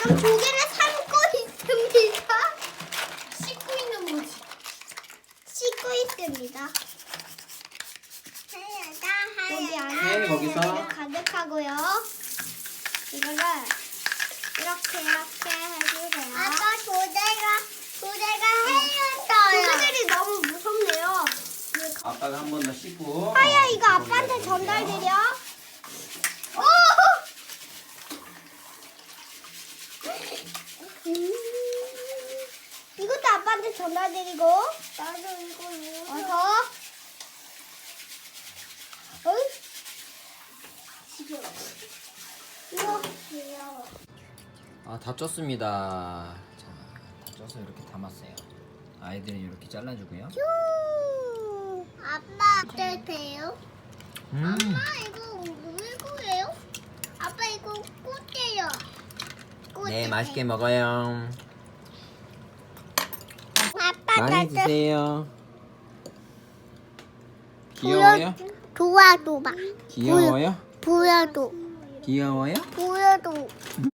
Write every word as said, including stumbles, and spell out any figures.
지금 조개를 삶고 있습니다. 씻고 있는 거지. 씻고 있습니다. 여기 안에 네, 거기서. 조개를 가득하고요. 이거를 이렇게 이렇게 해주세요. 아빠 조개가 조개가 해였어요. 조개들이 너무 무섭네요. 아빠가 한 번 더 씻고. 하야 어, 이거 아빠한테 거기다 전달드려. 오! 음. 이것도 아빠한테 전달드리고. 나도 이거 어서. 어이? 이거 귀여워. 아, 다 쪘습니다. 자, 다 쪄서 이렇게 담았어요. 아이들은 이렇게 잘라주고요. 휴. 아빠 어떠세요? 음, 엄마 이거 물고예요? 아빠 이거 꽃이에요. 네, 맛있게 먹어요. 아빠 많이 나도 드세요. 귀여워요? 도와줘봐. 귀여워요? 보여줘. 귀여워요? 보여줘.